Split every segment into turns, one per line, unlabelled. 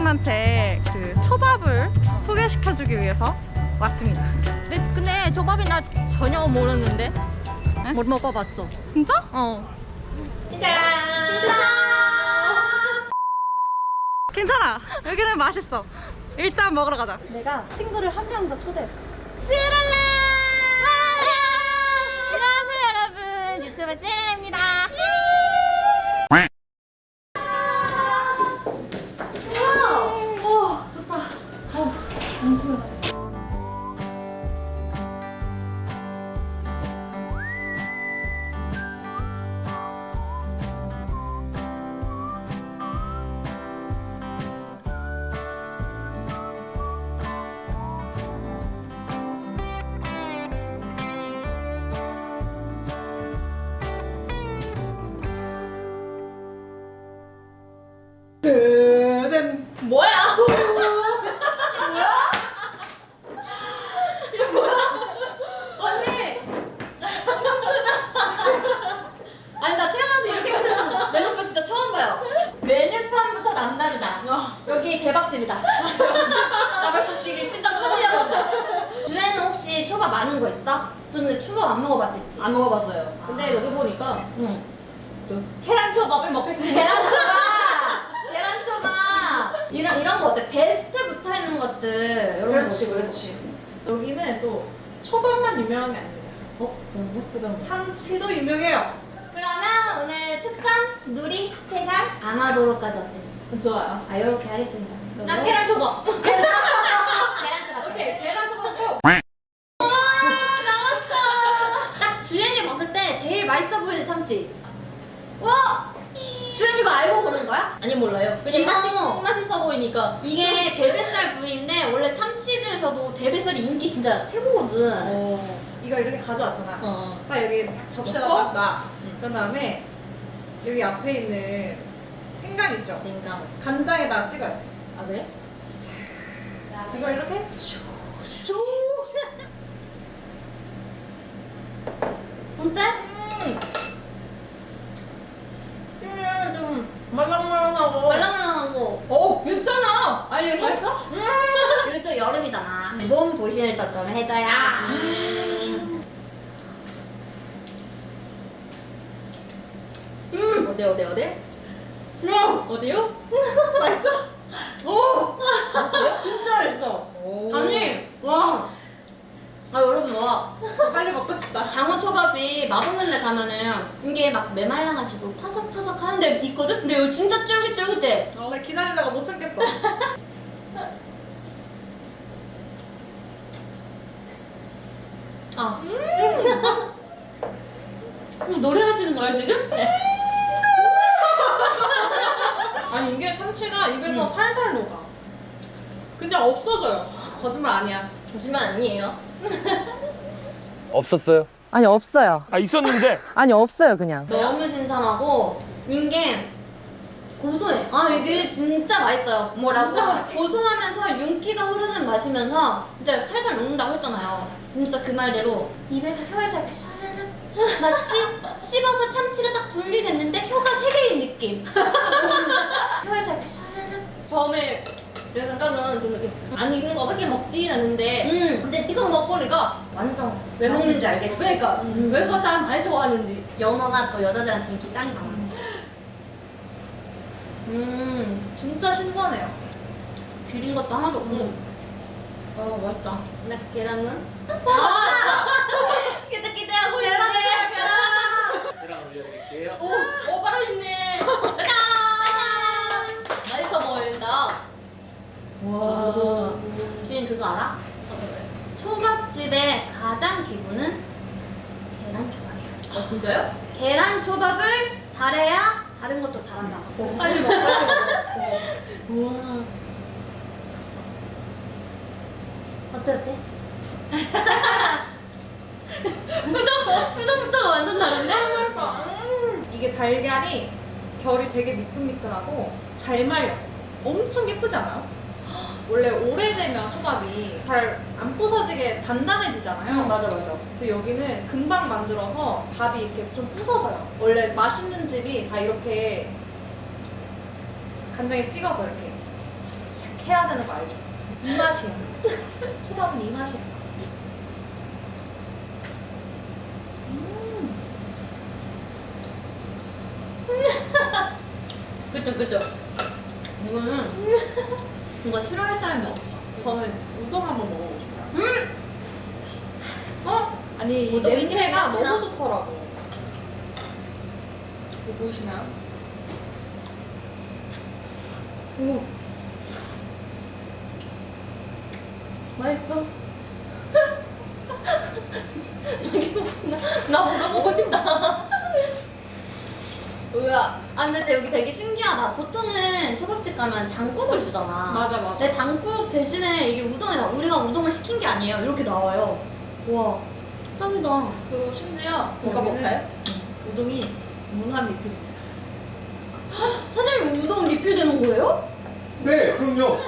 여러분한테 그 초밥을 소개시켜주기 위해서 왔습니다.
근데 초밥이 나 전혀 모르는데. 못 먹어봤어.
진짜?
어.
괜찮아. 여기는 맛있어. 일단 먹으러 가자.
내가 친구를 한 명 더 초대했어.
안녕하세요 여러분. 유튜브 찌랄입니다. 뭐야? 이게 뭐야? 언니! 아니 나 태어나서 이렇게 큰 메뉴판 진짜 처음 봐요. 메뉴판부터 남다르다. 여기 대박집이다. 나 벌써 지금 심장 터지려고 한다. 주에는 혹시 초밥 아는 거 있어? 저는 초밥 안 먹어봤댔지.
안 먹어봤어요. 근데 여기 보니까 계란 초밥을 먹겠습니다.
계란초밥! 이런 거 어때? 베스트 붙어 있는 것들 이런
그렇지,
거.
그렇지. 여기는 또 초밥만 유명한 게 아니에요.
그럼
참치도 유명해요.
그러면 오늘 특선 누리 스페셜 아마도로까지 어때?
좋아요.
아 이렇게 하겠습니다.
나 계란 초밥.
계란초밥.
오케이, 계란 초밥 꼭.
나왔어. 딱 주연이 봤을 때 제일 맛있어 보이는 참치. 와! 주연이 이거 알고 고른 거야?
아니 몰라요. 그냥
이거-
맛있어 보이니까.
이게 대뱃살 부위인데 원래 참치 중에서도 대뱃살이 인기 진짜 최고거든.
이걸 이렇게 가져왔잖아.
어.
딱 여기 접시에다
넣고?
딱 놔. 그런 다음에 여기 앞에 있는 생강 있죠?
생강.
간장에다 찍어요.
아 그래?
이걸 이렇게
어때?
좀 말랑말랑하고.
말랑말랑한 거.
괜찮아. 아니 이거 맛있어?
여기 또 여름이잖아. 몸 보신을 또 좀 해줘야.
어때? 어디요? 맛있어?
오!
맛있어요?
진짜 맛있어.
오.
아니, 와. 아, 여러분, 와.
빨리 먹고 싶다.
장어초밥이 맛없는 데 가면은 이게 막 메말라가지고 파석파석 하는 데 있거든? 근데 여기 진짜 쫄깃쫄깃해.
나 기다리다가 못 참겠어.
아. 노래 하시는 거예요, 지금?
아니 이게 참치가 입에서 살살 녹아. 그냥 없어져요. 거짓말 아니야.
거짓말 아니에요.
없었어요?
아니 없어요.
아 있었는데
아니 없어요 그냥.
너무 신선하고 이게 고소해. 아 이게 진짜 맛있어요. 뭐라고?
진짜 맛있어.
고소하면서 윤기가 흐르는 맛이면서 진짜 살살 녹는다고 했잖아요. 진짜 그 말대로 입에서 혀에서 이렇게 사르르 마치 씹어서 참치가 딱 분리됐는데 혀가 세 개인 느낌. 혀에서 이렇게 사르르.
처음에 제가 잠깐은 좀 이렇게 안 익는 거 어떻게 먹지? 라는데 근데 지금 먹보니까 완전
왜 먹는지 알겠지?
그러니까 왜 참 많이 좋아하는지.
연어가 또 여자들한테 인기 짱이잖아.
진짜 신선해요.
비린 것도 하나도 없고. 맛있다.
근데 계란은?
기대하고 있는데.
계란 올려드릴게요.
오 바로 있네.
짜잔!
맛있어 보인다.
와. 주인 그거 알아? 초밥집의 가장 기본은 계란 초밥이야.
진짜요?
계란 초밥을 잘해야 다른 것도 잘한다. 빨리 먹어, 빨리 먹어. 어때? 표정부터가 완전 다른데?
이게 달걀이 결이 되게 미끌미끌하고 잘 말렸어. 엄청 예쁘지 않아요? 원래 오래되면 초밥이 잘 안 부서지게 단단해지잖아요.
맞아.
근데 여기는 금방 만들어서 밥이 이렇게 좀 부서져요. 원래 맛있는 집이 다 이렇게 간장에 찍어서 이렇게 해야 되는 거 알죠? 이 맛이야. 초밥은 이 맛이야.
그쵸 그쵸.
이거는 이거 싫어할 사람이 없어.
저는 우동 한번 먹어보고 싶어요.
어?
아니 이
우동이
냄새가
맛있나?
너무 좋더라고. 이거 보이시나요?
오. 맛있어. 나 우동 먹고 싶다.
뭐야? 아 근데 여기 되게 신기하다. 보통은 초밥집 가면 장국을 주잖아.
맞아.
근데 장국 대신에 이게 우동이 나. 우리가 우동을 시킨 게 아니에요. 이렇게 나와요. 와, 짱이다.
그리고 심지어
뭔가
여기는
먹어요?
우동이 무한 리필입니다.
사장님 우동 리필되는 거예요?
네, 그럼요.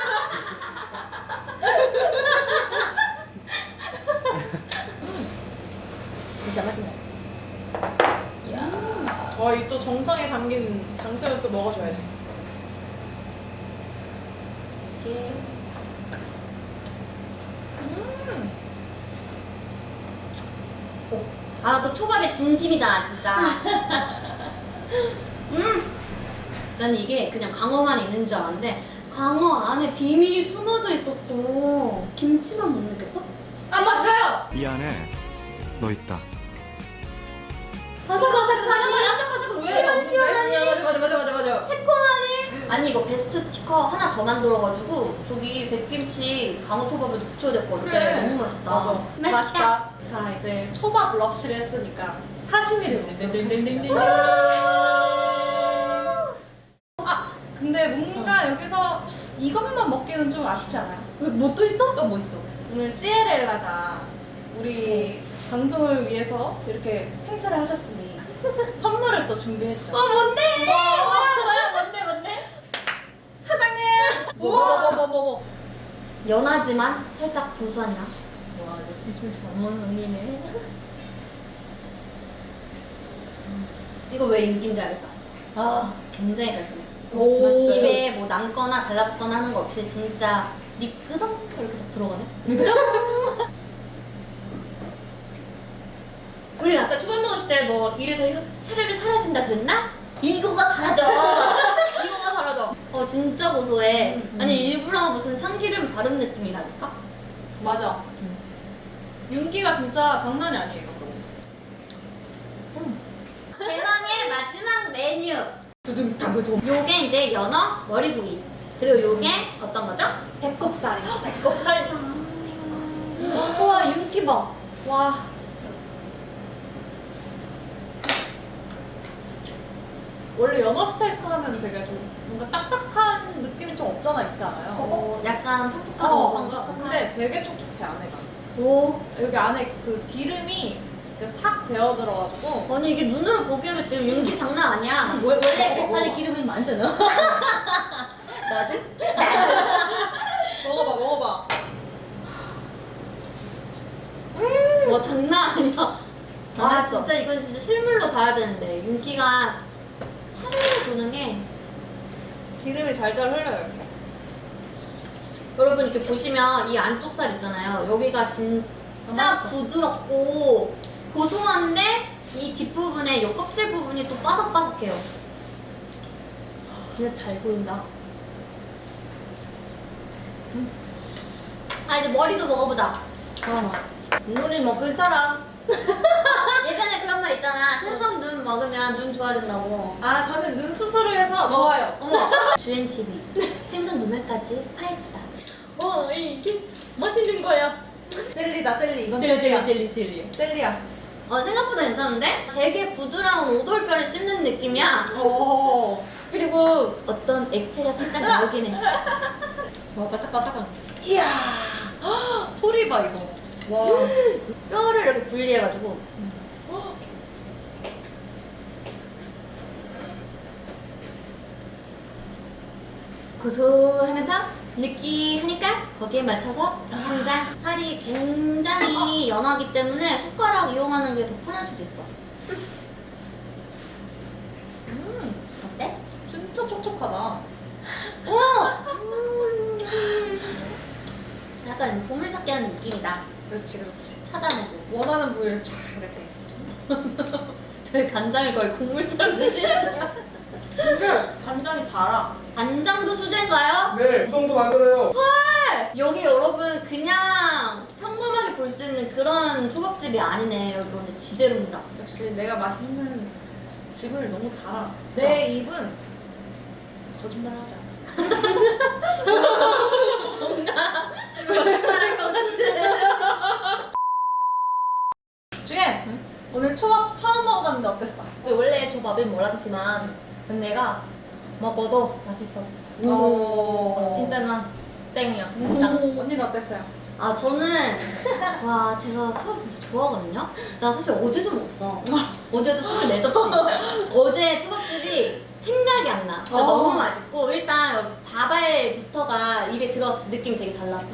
진짜 맛있네. 이야.
이 또 정성에 담긴 장수를 또 먹어줘야지.
이게
아, 나 또 초밥에 진심이잖아, 진짜. 나는 이게 그냥 광어만 있는 줄 알았는데 광어 안에 비밀이 숨어져 있었어. 김치만 못 느꼈어? 아, 맞아요.
미안해. 너 있다.
아삭아삭하니 시원시원하니
맞아.
새콤하니. 아니 이거 베스트 스티커 하나 더 만들어가지고 저기 백김치 강어초밥에도 붙여야 될 것 같아.
그래.
너무 맛있다.
맞아.
맛있다.
자 이제 초밥 러쉬를 했으니까 사시미를 먹도록 하겠습니다. 아 근데 뭔가 여기서 이것만 먹기는 좀 아쉽지 않아요?
뭐 또 있어?
또 뭐 있어?
오늘 찌에렐라가 우리 방송을 위해서 이렇게 행사를 하셨으니 선물을 또 준비했죠.
뭔데? 뭐야? 뭔데?
사장님!
뭐.
연하지만 살짝 구수하냐?
와, 역시 술 전문 언니네.
이거 왜 인기인지 알겠다.
아,
굉장히 깔끔해.
오.
맛있어요.
입에 뭐 남거나 달라붙거나 하는 거 없이 진짜 미끄덩 이렇게 딱 들어가네. 우리 아까 초밥 먹었을 때 뭐 이래서 차례를 사라진다 그랬나? 이거가 사라져. 이거가 사라져. 진짜 고소해. 아니 일부러 무슨 참기름 바른 느낌이라니까?
맞아. 윤기가 진짜 장난이 아니에요.
대망의 마지막 메뉴.
두둥 당근
요게 이제 연어 머리구이. 그리고 요게 어떤 거죠?
배꼽살이요.
배꼽살.
우와 윤기 봐.
와. 원래 연어 스테이크 하면 되게 좀 뭔가 딱딱한 느낌이 좀 없잖아 있지 않아요?
약간 퍽퍽하고
근데 되게 촉촉해 안에가.
오.
여기 안에 그 기름이 이렇게 싹 배어 들어가지고
아니 이게 눈으로 보기에는 지금 윤기 장난 아니야.
원래 뱃살에 기름이 많잖아.
나도?
먹어봐.
와 장난 아니야. 아
맛있어.
진짜 이건 진짜 실물로 봐야 되는데 윤기가 차례로 도는 게
기름이 잘잘 흘러요 이렇게.
여러분 이렇게 보시면 이 안쪽 살 있잖아요. 여기가 진짜 부드럽고 고소한데 이 뒷부분에 이 껍질 부분이 또 바삭바삭해요. 진짜 잘 보인다. 아 이제 머리도 먹어보자.
눈을 먹은 사람.
예전에 그런 말 있잖아. 생선 눈 먹으면 눈 좋아진다고.
아 저는 눈 수술을 해서 좋아요.
어머. 주엔TV 생선 눈알까지 파헤치다.
이게 맛있는 거야.
젤리다 젤리. 이건 젤리야.
젤리.
젤리야.
생각보다 괜찮은데? 되게 부드러운 오돌뼈를 씹는 느낌이야.
오.
그리고 어떤 액체가 살짝 나오긴 해.
와, 바삭바삭한.
이야. 소리 봐 이거. 와.
뼈를 이렇게 분리해가지고. 고소하면서 느끼하니까 거기에 맞춰서 한 잔. 살이 굉장히 연하기 때문에 숟가락 이용하는 게 더 편할 수도 있어. 어때?
진짜 촉촉하다.
우와! 느끼하는 느낌이다.
그렇지 그렇지.
차단해고.
원하는 부위를 쫙 이렇게.
저희 간장을 거의 국물처럼 드시네요.
근데 간장이 달아.
간장도 수제인가요?
네, 우동도 만들어요.
여기 여러분 그냥 평범하게 볼 수 있는 그런 초밥집이 아니네. 여기 완전 지대로입니다.
역시 내가 맛있는 집을 너무 잘 알아. 내 입은 거짓말 하지 않아.
거짓말할 것 같아.
중에 오늘 초밥 처음 먹어봤는데 어땠어?
원래 초밥을 몰랐지만 내가 먹어도 맛있었어. 진짜 나 땡이야. 진짜.
언니는 어땠어요?
아 저는 와 제가 초밥 진짜 좋아하거든요. 나 사실 어제도 먹었어. 어제도 24접시. 어제 초밥집이 생각이 안 나. 진짜 너무 맛있고 일단 밥알부터가 입에 들어서 느낌이 되게 달랐어.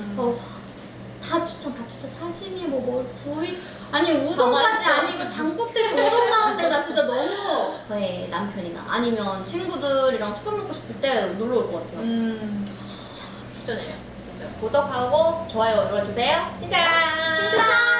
다 추천. 사시미 뭐 구이 아니 우동까지 아니고 장국 대신 우동 나오는데 나 진짜 너무 저의 남편이나 아니면 친구들이랑 초밥 먹고 싶을 때 놀러 올 것 같아요.
추천해요. 진짜 구독하고 좋아요 눌러주세요. 진짜.
진짜.